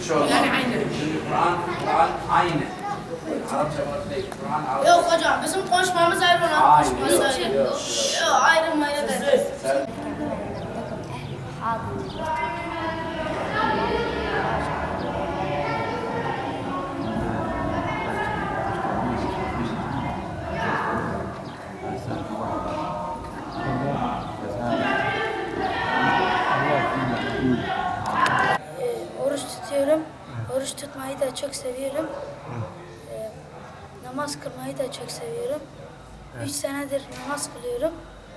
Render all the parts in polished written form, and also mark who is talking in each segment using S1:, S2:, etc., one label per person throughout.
S1: Türkçe olmaz.
S2: Yani aynı.
S1: Çünkü Kur'an aynı. Arapça var değil, Kur'an Arapça.
S2: Yok hocam bizim konuşmamız ayrı olan
S1: Hayır,
S2: konuşması ayrı.
S1: yok.
S2: Yok ayrı değil.
S1: Sen
S3: Oruç tutuyorum. Oruç tutmayı da çok seviyorum. Namaz kılmayı da çok seviyorum. 3 senedir namaz kılıyorum.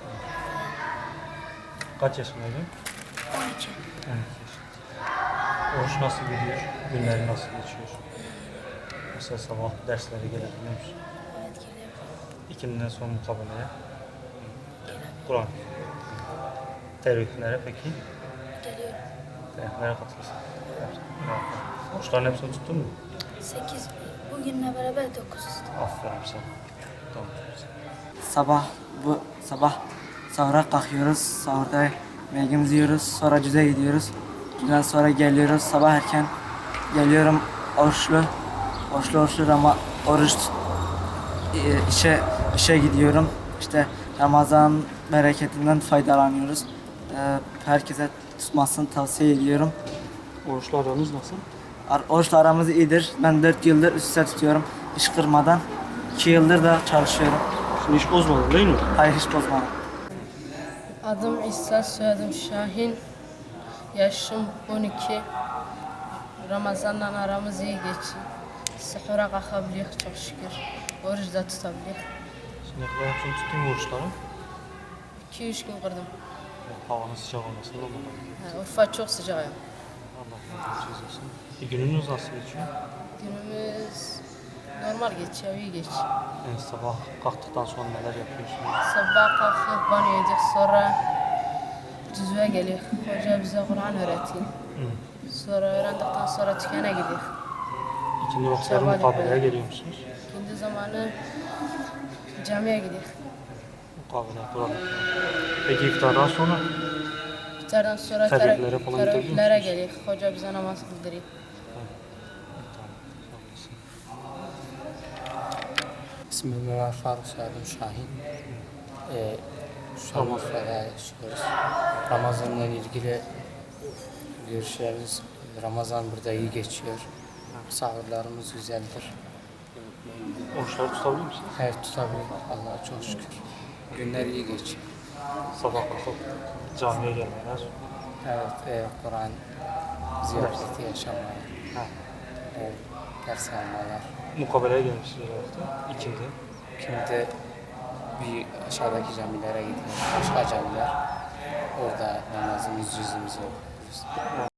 S4: Kaç yaşındaydın?
S3: 12.
S4: 12 yaşında. Oruç nasıl gidiyor? Günleri nasıl geçiyor? Mesela sabah derslere gelebiliyor musun?
S3: Evet, geliyorum.
S4: İkindiden sonra mukabeleye. Kur'an. Teravihlere peki?
S3: Geliyorum.
S4: Teravihlere katılırsın. Oruçların hepsini tuttun mu?
S3: 8. Bugünle beraber 9.
S4: Aferin sana. Tamam.
S5: Sabah sahura kalkıyoruz. Sahurda yemeğimizi yiyoruz. Sonra cüze gidiyoruz. Cüzden sonra geliyoruz. Sabah erken geliyorum oruçlu. Oruçlu ama işe gidiyorum. İşte Ramazan bereketinden faydalanıyoruz. Herkese tutmasını tavsiye ediyorum.
S4: Oruçlu aranız nasıl?
S5: Oruçla aramız iyidir. Ben 4 yıldır üst üste tutuyorum. Hiç kırmadan. 2 yıldır da çalışıyorum.
S4: Şimdi hiç bozmadın değil mi?
S5: Hayır, hiç bozmadım.
S6: Adım İsa, soyadım Şahin. Yaşım 12. Ramazan'la aramız iyi geçiyor. Sahura kalkabiliyoruz çok şükür. Oruç da tutabiliyoruz.
S4: Şimdi kadar hepsini tuttun mu oruçları?
S6: 2-3 gün kırdım.
S4: Havanın sıcak olmasın da bakalım.
S6: Urfa çok sıcak ya.
S4: Allah razı olsun. Gününüz nasıl geçiyor?
S6: Günümüz normal geçiyor, iyi geçiyor.
S4: Yani sabah kalktıktan sonra neler yapıyorsunuz?
S6: Sabah kalkıp banyo ediyoruz, sonra cüzve geliyor. Hoca bize Kur'an öğretiyor. Sonra öğrendikten sonra tükene gidiyor.
S4: İkindi vakitleri
S6: Sabah
S4: mukabeleye
S6: yapıyor.
S4: geliyor musunuz?
S6: İkindi zamanı camiye gidiyor.
S4: Mukabele Kur'an. Peki iftardan sonra?
S6: İftardan sonra
S4: Teravihlere falan gidebiliyor
S6: teravihlere
S4: musunuz?
S6: geliyor. Hoca bize namaz kıldırıyor.
S7: İsmim Ömer Faruk, soyadım Şahin. Şu an Urfa'da yaşıyoruz. Ramazan'la ilgili görüşlerimiz, Ramazan burada iyi geçiyor. Sahurlarımız güzeldir.
S4: Oruçları tutabiliyor musunuz?
S7: Evet, tutabiliyoruz. Allah'a çok şükür. Günler iyi geçiyor.
S4: Sabah kalkıp camiye gelmeler.
S7: Evet, Kur'an ziyareti yaşamalar.
S4: Ha.
S7: Evet, ders almalar.
S4: Mukabeleye gelmişsiniz herhalde. İkindi.
S7: Şimdi bir aşağıdaki camilere gidiyoruz. Başka camiler. Orada namazımız, cüzümüzü okuyoruz.